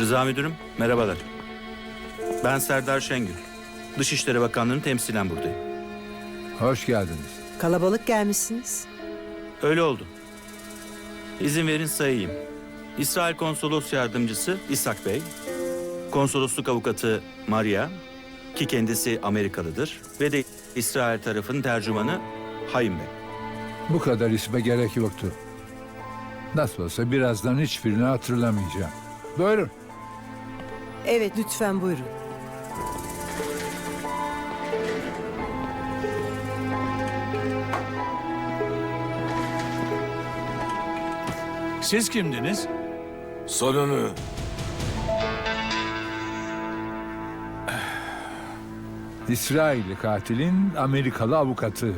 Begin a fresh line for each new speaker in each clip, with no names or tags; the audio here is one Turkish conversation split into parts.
Rıza Müdürüm, merhabalar. Ben Serdar Şengül. Dışişleri Bakanlığı'nın temsilen buradayım.
Hoş geldiniz.
Kalabalık gelmişsiniz.
Öyle oldu. İzin verin sayayım. İsrail Konsolos Yardımcısı İshak Bey, Konsolosluk Avukatı Maria, ki kendisi Amerikalıdır, ve de İsrail tarafının tercümanı Hayim Bey.
Bu kadar isme gerek yoktu. Nasıl olsa birazdan hiçbirini hatırlamayacağım. Buyurun.
Evet, lütfen buyurun.
Siz kimdiniz?
Sonunu.
İsrailli katilin Amerikalı avukatı.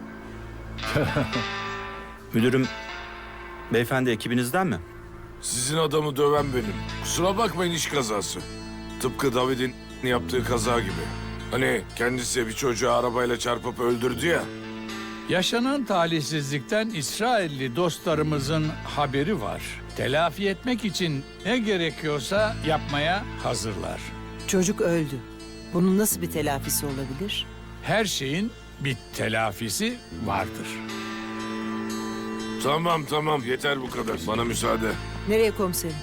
Müdürüm, beyefendi ekibinizden mi?
Sizin adamı döven benim. Kusura bakmayın, iş kazası. Tıpkı David'in yaptığı kaza gibi. Hani kendisi bir çocuğu arabayla çarpıp öldürdü ya.
Yaşanan talihsizlikten İsrailli dostlarımızın haberi var. Telafi etmek için ne gerekiyorsa yapmaya hazırlar.
Çocuk öldü. Bunun nasıl bir telafisi olabilir?
Her şeyin bir telafisi vardır.
Tamam yeter bu kadar. Bana müsaade.
Nereye komiserim?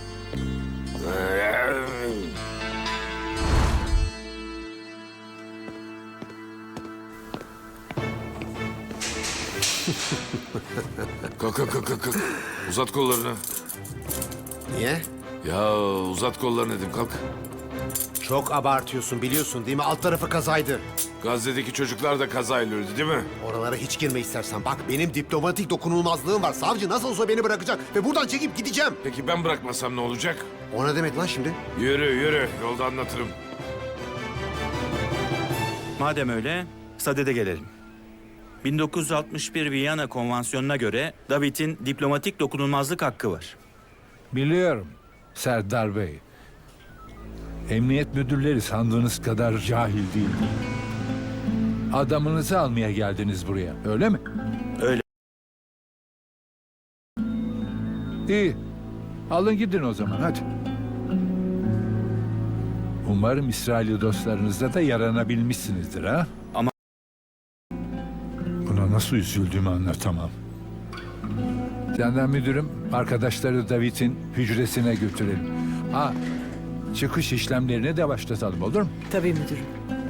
Kalk. Uzat kollarını.
Niye?
Ya uzat kollarını dedim, kalk.
Çok abartıyorsun, biliyorsun değil mi? Alt tarafı kazaydı.
Gazze'deki çocuklar da kazayla öldü değil mi?
Oralara hiç girme istersen. Bak, benim diplomatik dokunulmazlığım var. Savcı nasıl olsa beni bırakacak ve buradan çekip gideceğim.
Peki ben bırakmasam ne olacak?
O ne demek lan şimdi?
Yürü. Yolda anlatırım.
Madem öyle, sadede gelelim. 1961 Viyana Konvansiyonu'na göre David'in diplomatik dokunulmazlık hakkı var.
Biliyorum Serdar Bey. Emniyet müdürleri sandığınız kadar cahil değil. Adamınızı almaya geldiniz buraya, öyle mi?
Öyle.
İyi. Alın gidin o zaman, hadi. Umarım İsrailli dostlarınızla da yaranabilmişsinizdir ha?
Ama-
Buna nasıl üzüldüğümü anlatamam. Senden müdürüm, arkadaşları David'in hücresine götürelim. Ha, çıkış işlemlerini de başlatalım, olur mu?
Tabii müdürüm.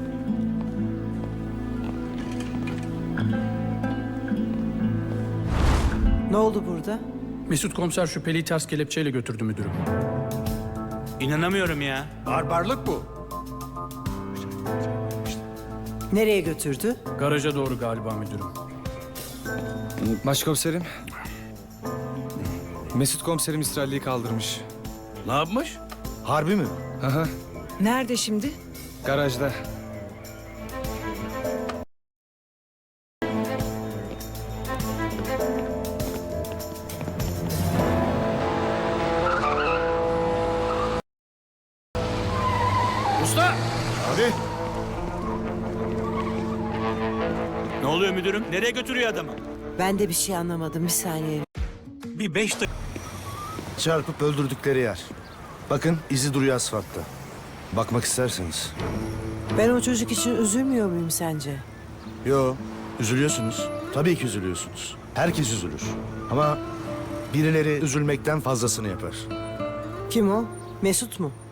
Ne oldu burada?
Mesut komiser şüpheliyi ters kelepçeyle götürdü müdürüm.
İnanamıyorum ya.
Barbarlık bu.
Nereye götürdü?
Garaja doğru galiba müdürüm.
Başkomiserim. Mesut komiserim İsrailli'yi kaldırmış.
Ne yapmış?
Harbi mi?
Aha,
Nerede şimdi?
garajda.
Usta!
Hadi.
Ne oluyor müdürüm? Nereye götürüyor adamı?
Ben de bir şey anlamadım. Bir saniye.
Bir 5 dakika.
Çarpıp öldürdükleri yer. Bakın, izi duruyor asfaltta. Bakmak isterseniz.
Ben o çocuk için üzülmüyor muyum sence?
Yo, üzülüyorsunuz. Tabii ki üzülüyorsunuz. Herkes üzülür. Ama birileri üzülmekten fazlasını yapar.
Kim o? Mesut mu?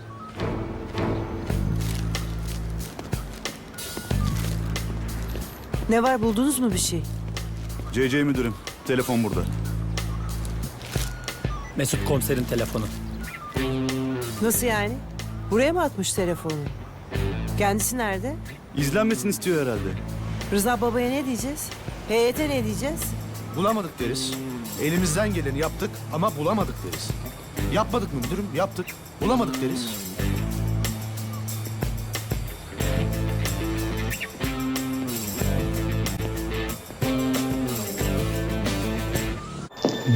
Ne var, buldunuz mu bir şey?
CC müdürüm, telefon burada.
Mesut komiserin telefonu.
Nasıl yani? Buraya mı atmış telefonu? Kendisi nerede?
İzlenmesini istiyor herhalde.
Rıza babaya ne diyeceğiz? Heyete ne diyeceğiz?
Bulamadık deriz. Elimizden geleni yaptık ama bulamadık deriz. Yapmadık mı müdürüm? Yaptık. Bulamadık deriz.